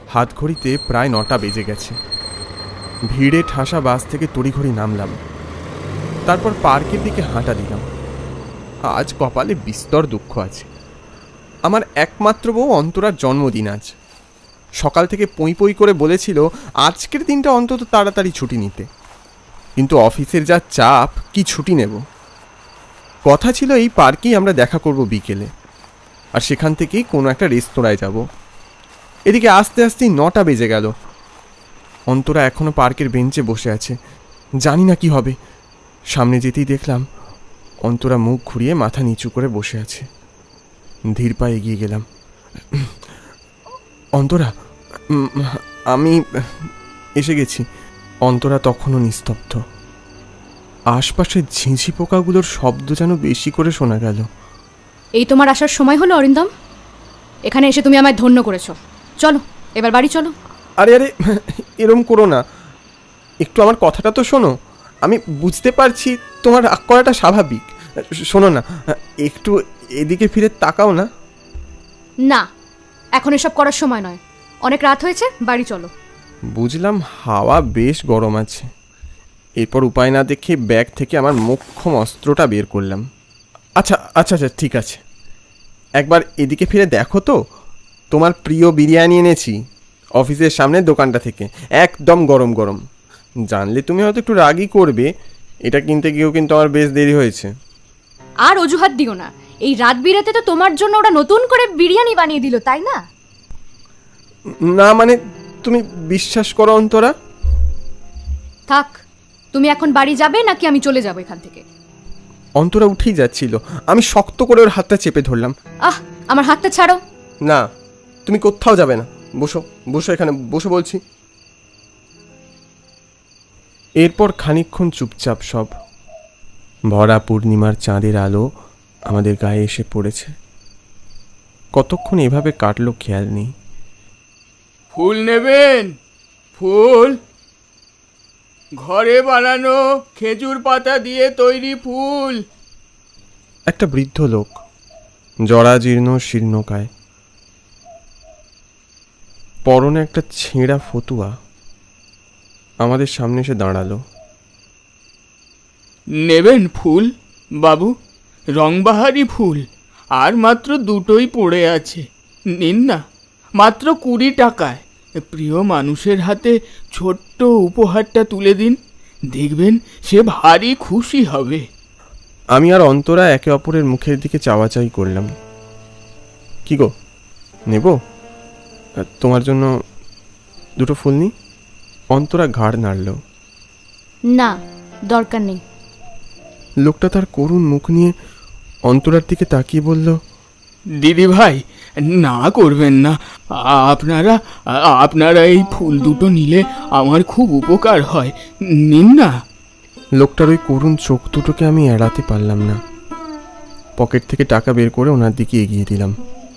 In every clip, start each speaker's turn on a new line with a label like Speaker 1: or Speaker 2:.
Speaker 1: হাত ঘড়িতে প্রায় 9টা বেজে গেছে। ভিড়ে ঠাসা বাস থেকে তড়িঘড়ি নামলাম। তারপর পার্কের দিকে হাঁটা দিলাম। আজ কপালে বিস্তর দুঃখ আছে। আমার একমাত্র বউ অন্তরার জন্মদিন আজ। সকাল থেকে পঁই পঁই করে বলেছিল আজকের দিনটা অন্তত তাড়াতাড়ি ছুটি নিতে, কিন্তু অফিসের যা চাপ, কি ছুটি নেব। কথা ছিল এই পার্কেই আমরা দেখা করব বিকেলে, আর সেখান থেকেই কোনো একটা রেস্তোরাঁয় যাব। এদিকে আস্তে আস্তেই 9টা বেজে গেল। অন্তরা এখনো পার্কের বেঞ্চে বসে আছে। জানি না কি হবে। সামনে যেতেই দেখলাম অন্তরা মুখ ঘুরিয়ে মাথা নিচু করে বসে আছে। ধীর পায়ে এগিয়ে গেলাম। অন্তরা, আমি এসে গেছি। অন্তরা তখনও নিস্তব্ধ। আশপাশের ঝিঁঝি পোকাগুলোর শব্দ যেন বেশি করে শোনা গেল।
Speaker 2: এই তোমার আসার সময় হলো অরিন্দম? এখানে এসে তুমি আমায় ধন্য করেছো। চলো এবার বাড়ি চলো।
Speaker 1: আরে আরে, এরম করো না। একটু আমার কথাটা তো শোনো। আমি বুঝতে পারছি তোমার রাগ করাটা স্বাভাবিক। শোনো না, একটু এদিকে ফিরে তাকাও না।
Speaker 2: না, এখন এসব করার সময় নয়। অনেক রাত হয়েছে, বাড়ি চলো।
Speaker 1: বুঝলাম হাওয়া বেশ গরম আছে। এরপর উপায় না দেখে ব্যাগ থেকে আমার মোক্ষম অস্ত্রটা বের করলাম। আচ্ছা আচ্ছা আচ্ছা, ঠিক আছে। একবার এদিকে ফিরে দেখো তো, তোমার প্রিয় বিরিয়ানি এনেছি অফিসের সামনের দোকানটা থেকে, একদম গরম গরম। জানলে তুমি হয়তো একটু রাগই করবে। এটা কিনতে গিয়েও কিন্তু আমার বেশ দেরি হয়েছে।
Speaker 2: আর অজুহাত দিও না। এই রাত বিরাতে তো তোমার জন্য ওরা নতুন করে বিরিয়ানি বানিয়ে দিল, তাই না?
Speaker 1: না মানে, তুমি বিশ্বাস করো অন্তরা।
Speaker 2: থাক, তুমি এখন বাড়ি যাবে নাকি আমি চলে যাবো এখান থেকে?
Speaker 1: অন্তরা উঠেই যাচ্ছিল। আমি শক্ত করে ওর হাতটা চেপে ধরলাম।
Speaker 2: আমার হাতটা ছাড়ো।
Speaker 1: না, তুমি কোথাও যাবে না। বসো বসো, এখানে বসো বলছি। এরপর খানিকক্ষণ চুপচাপ সব। ভরা পূর্ণিমার চাঁদের আলো আমাদের গায়ে এসে পড়েছে। কতক্ষণ এভাবে কাটলো খেয়াল নেই।
Speaker 3: ফুল নেবেন? ফুল, ঘরে বানানো খেজুর পাতা দিয়ে তৈরি ফুল।
Speaker 1: একটা বৃদ্ধ লোক, জরাজীর্ণ শীর্ণকায়, পরনে একটা ছেঁড়া ফতুয়া, আমাদের সামনে এসে দাঁড়ালো।
Speaker 3: নেবেন ফুল বাবু? রংবাহারি ফুল, আর মাত্র দুটোই পড়ে আছে। নিন না, মাত্র 20 টাকায়। প্রিয় মানুষের হাতে ছোট্ট উপহারটা তুলে দিন, দেখবেন সে ভারী খুশি হবে।
Speaker 1: আমি আর অন্তরা একে অপরের মুখের দিকে চাওয়াচাই করলাম। কি গো, নেব? তোমার জন্য দুটো ফুল নি? অন্তরা ঘাড় নাড়ল।
Speaker 2: না, দরকার নেই।
Speaker 1: লোকটা তার করুণ মুখ নিয়ে অন্তরার দিকে তাকিয়ে বলল,
Speaker 3: দিদি ভাই, না করবেন না। আপনারা এই ফুল দুটো নিলে আমার খুব উপকার হয়। নিন না।
Speaker 1: লোকটার ওই করুণ চোখ দুটোকে আমি এড়াতে পারলাম না। পকেট থেকে টাকা বের করে ওনার দিকে এগিয়ে দিলাম।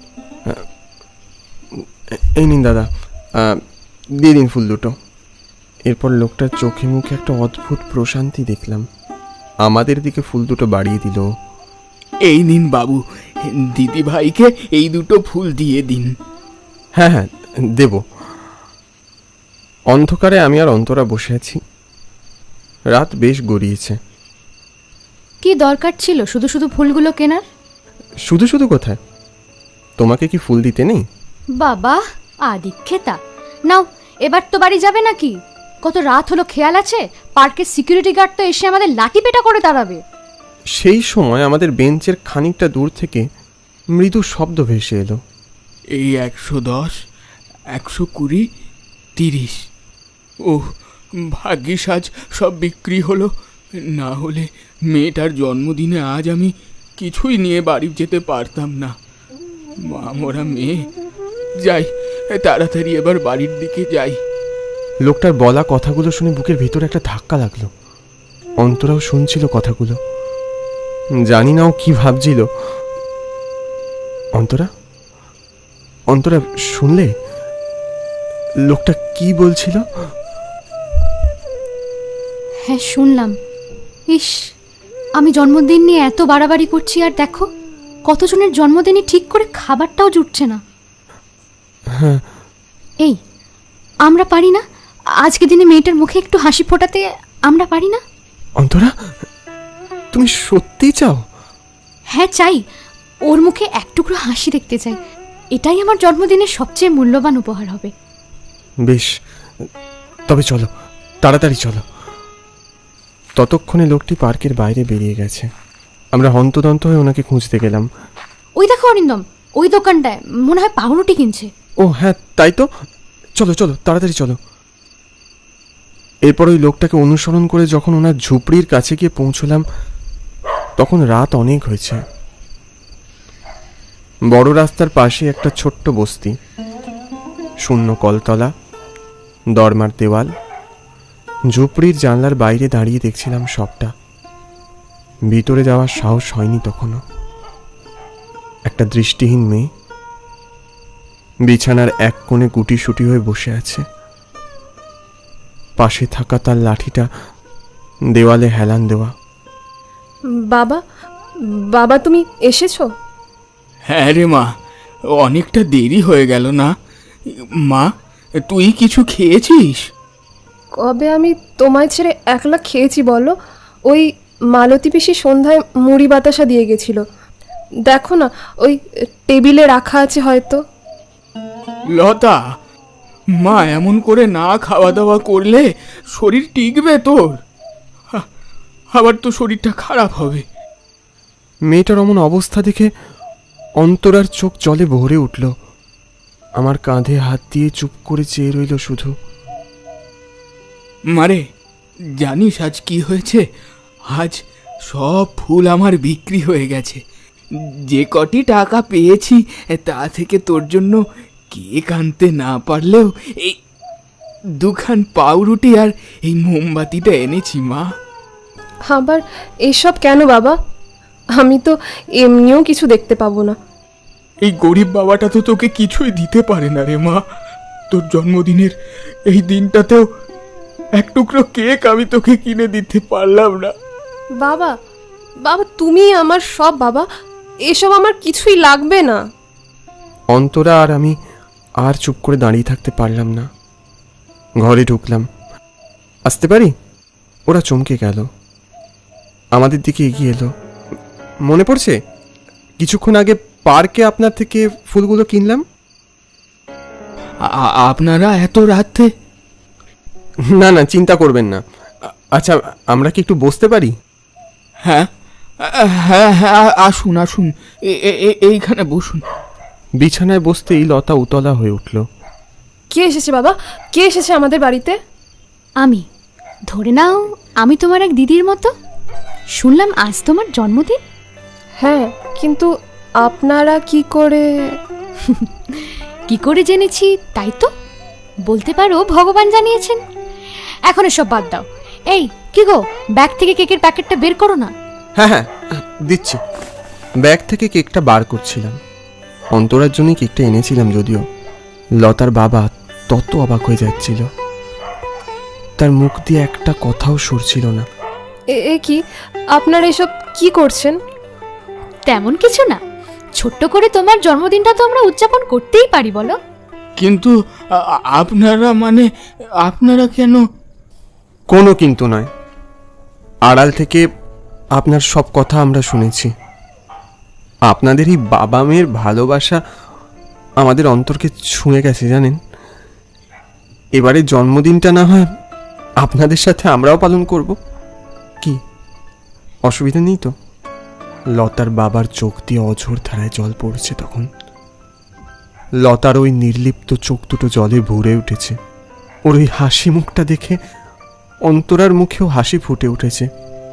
Speaker 1: এই নিন দাদা, দিয়ে দিন ফুল দুটো। এরপর লোকটার চোখে মুখে একটা অদ্ভুত প্রশান্তি দেখলাম। আমাদের দিকে ফুল দুটো বাড়িয়ে দিল।
Speaker 3: এই নিন বাবু, দিদি ভাইকে এই দুটো ফুল দিয়ে দিন।
Speaker 1: হ্যাঁ হ্যাঁ, দেব। অন্ধকারে আমি আর অন্তরা বসে আছি। রাত বেশ গড়িয়েছে।
Speaker 2: কি দরকার ছিল শুধু শুধু ফুলগুলো কেনার?
Speaker 1: শুধু শুধু কোথায়? তোমাকে কি ফুল দিতে নেই?
Speaker 2: বাবা আদিক্ষেতা। নাও, এবার তো বাড়ি যাবে নাকি? কত রাত হলো খেয়াল আছে? পার্কের সিকিউরিটি গার্ড তো এসে আমাদের লাঠি পেটা করে দাঁড়াবে।
Speaker 1: সেই সময় আমাদের বেঞ্চের খানিকটা দূর থেকে মৃদু শব্দ ভেসে এলো।
Speaker 3: এই 110, 120, 30। ওহ, ভাগ্যিস আজ সব বিক্রি হলো। না হলে মেয়েটার জন্মদিনে আজ আমি কিছুই নিয়ে বাড়ি যেতে পারতাম না। মা মরা মেয়ে। যাই, তাড়াতাড়ি এবার বাড়ির দিকে যাই।
Speaker 1: লোকটার বলা কথাগুলো শুনে বুকের ভিতরে একটা ধাক্কা লাগলো। অন্তরাও শুনছিল কথাগুলো। জানি না ও কি ভাবছিল। অন্তরা, অন্তরা শুনলে লোকটা কি বলছিল?
Speaker 2: হ্যাঁ শুনলাম। ইস, আমি জন্মদিন নিয়ে এত বাড়াবাড়ি করছি, আর দেখো কতজনের জন্মদিনই ঠিক করে খাবারটাও জুটছে না।
Speaker 1: হ্যাঁ।
Speaker 2: এই, আমরা পারি না? আজকে দিনে মেয়েটার মুখে একটু হাসি ফোটাতে আমরা পারি না?
Speaker 1: অন্তরা, তুমি সত্যিই চাও?
Speaker 2: হ্যাঁ চাই, ওর মুখে এক টুকরো হাসি দেখতে চাই। এটাই আমার জন্মদিনের সবচেয়ে মূল্যবান উপহার হবে।
Speaker 1: বেশ, তবে চলো, তাড়াতাড়ি চলো। ততক্ষণে লোকটি পার্কের বাইরে বেরিয়ে গেছে। আমরা হন্তদন্ত হয়ে ওনাকে খুঁজতে গেলাম।
Speaker 2: ওই দেখো অরিন্দম, ওই দোকানটায় মনে হয় পাউরুটি কিনছে।
Speaker 1: ও হ্যাঁ, তাই তো। চলো চলো, তাড়াতাড়ি চলো। এরপর ওই লোকটাকে অনুসরণ করে যখন ওনার ঝুপড়ির কাছে গিয়ে পৌঁছলাম, তখন রাত অনেক হয়েছে। বড় রাস্তার পাশে একটা ছোট্ট বস্তি, শূন্য কলতলা, দরমার দেওয়াল। ঝুপড়ির জানলার বাইরে দাঁড়িয়ে দেখছিলাম সবটা। ভিতরে যাওয়ার সাহস হয়নি তখনও। একটা দৃষ্টিহীন মেয়ে বিছানার এক কোণে গুটিসুটি হয়ে বসে আছে। পাশে থাকা তার লাঠিটা দেওয়ালে হেলান দেওয়া।
Speaker 4: বাবা, বাবা তুমি এসেছো?
Speaker 3: হ্যাঁ রে মা, অনেকটা দেরি হয়ে গেল না? মা, তুই কিছু খেয়েছিস?
Speaker 4: কবে আমি তোমায় ছেড়ে একলা খেয়েছি বলো? ওই মালতী পিসি সন্ধ্যায় মুড়ি বাতাসা দিয়ে গেছিল, দেখো না ওই টেবিলে রাখা আছে হয়তো।
Speaker 3: লতা, মা এমন করে না খাওয়া দাওয়া করলে শরীর টিকবে তোর? আবার তো শরীরটা খারাপ হবে।
Speaker 1: মেয়েটার অমন অবস্থা দেখে অন্তরার চোখ জলে ভরে উঠল। আমার কাঁধে হাত দিয়ে চুপ করে চেয়ে রইল শুধু।
Speaker 3: মারে, জানিস আজ কি হয়েছে? আজ সব ফুল আমার বিক্রি হয়ে গেছে। যে কটি টাকা পেয়েছি তা থেকে তোর জন্য কেক আনতে না পারলেও এই দুখান পাউরুটি আর এই মোমবাতিটা এনেছি মা।
Speaker 4: আবার এসব কেন বাবা? আমি তো এমনিও কিছু দেখতে পাবো না।
Speaker 3: এই গরিব বাবাটা তো তোকে কিছুই দিতে পারে না রে মা। তোর জন্মদিনের এই দিনটাতেও এক টুকরো কেক আমি তোকে কিনে দিতে পারলাম না।
Speaker 4: বাবা, বাবা তুমি আমার সব বাবা, এসব আমার কিছুই লাগবে না।
Speaker 1: অন্তরা আর আমি আর চুপ করে দাঁড়িয়ে থাকতে পারলাম না। ঘরে ঢুকলাম। আসতে পারি? ওরা চমকে গেল, আমাদের দিকে এগিয়ে এলো। মনে পড়ছে কিছুক্ষণ আগে পার্কে আপনার থেকে ফুলগুলো কিনলাম?
Speaker 3: আপনারা এত রাতে?
Speaker 1: না না, চিন্তা করবেন না। আচ্ছা, আমরা কি একটু বসতে পারি?
Speaker 3: হ্যাঁ হ্যাঁ হ্যাঁ, আসুন আসুন, এইখানে বসুন।
Speaker 1: বিছানায় বসতেই লতা উতলা হয়ে উঠল।
Speaker 4: কে এসেছে বাবা? কে এসেছে আমাদের বাড়িতে?
Speaker 2: আমি, ধরে নাও আমি তোমার এক দিদির মতো। শুনলাম আজ তোমার জন্মদিন।
Speaker 4: হ্যাঁ, কিন্তু আপনারা কি করে?
Speaker 2: কি করে জেনেছি তাই তো বলতে পারো, ভগবান জানিয়েছেন। এখন এসব বাদ দাও। এই কি গো, ব্যাগ থেকে কেকের প্যাকেটটা বের করো না।
Speaker 1: হ্যাঁ হ্যাঁ, দিচ্ছি। ব্যাগ থেকে কেকটা বার করছিলাম। অন্তরার জন্যই কেকটা এনেছিলাম, যদিও লতার বাবা তত অবাক হয়ে যাচ্ছিল। তার মুখ দিয়ে একটা কথাও সরছিল না।
Speaker 4: এ কি, আপনারা এসব কি করছেন?
Speaker 2: তেমন কিছু না, ছোট্ট করে তোমার জন্মদিনটা তো আমরা উদযাপন করতেই পারি বলো।
Speaker 3: কিন্তু আপনারা মানে আপনারা কেন?
Speaker 1: কোনো কিন্তু নয়। আড়াল থেকে আপনার সব কথা আমরা শুনেছি। আপনাদের এই বাবা মেয়ের ভালোবাসা আমাদের অন্তরকে ছুঁয়ে গেছে জানেন। এবারে জন্মদিনটা না হয় আপনাদের সাথে আমরাও পালন করব। কি অসুবিধা নেই তো? লতার বাবার চোখ দিয়ে অঝোর ধারায় জল পড়ছে তখন। লতার ওই নির্লিপ্ত চোখ দুটো জলে ভরে উঠেছে। ওর ওই হাসি মুখটা দেখে অন্তরার মুখেও হাসি ফুটে উঠেছে।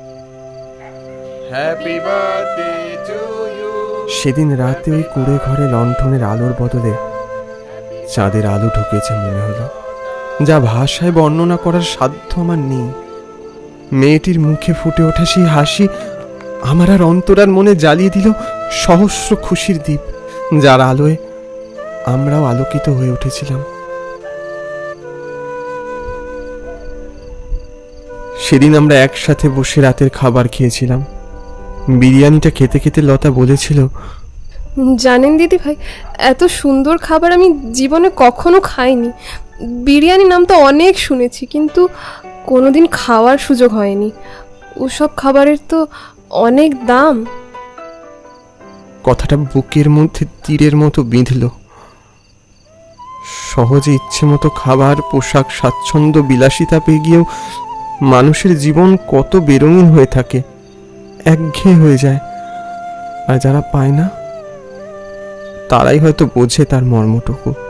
Speaker 1: সেদিন রাতে ওই কুঁড়ে ঘরে লণ্ঠনের আলোর বদলে চাঁদের আলো ঢুকেছে মনে হলো, যা ভাষায় বর্ণনা করার সাধ্য আমার নেই। মেয়েটির মুখে ফুটে ওঠে সেই হাসি আমার আর অন্তরার মনে জ্বালিয়ে দিল সহস্র খুশির দ্বীপ, যার আলোয় আমরাও আলোকিত হয়ে উঠেছিলাম। সেদিন আমরা একসাথে বসে রাতের খাবার খেয়েছিলাম। বিরিয়ানিটা খেতে খেতে লতা বলেছিল,
Speaker 4: জানেন দিদি ভাই, এত সুন্দর খাবার আমি জীবনে কখনো খাইনি। বিরিয়ানি নাম তো অনেক শুনেছি, কিন্তু কোনোদিন খাওয়ার সুযোগ হয়নি। ওসব খাবারের তো অনেক দাম।
Speaker 1: কথাটা বুকের মধ্যে তীরের মতো বিঁধল। সহজে ইচ্ছে মতো খাবার, পোশাক, স্বাচ্ছন্দ্য, বিলাসিতা পেয়ে গিয়েও মানুষের জীবন কত বেরঙিন হয়ে থাকে, একঘেয়ে হয়ে যায়। আর যারা পায় না তারাই হয়তো বোঝে তার মর্মটুকু।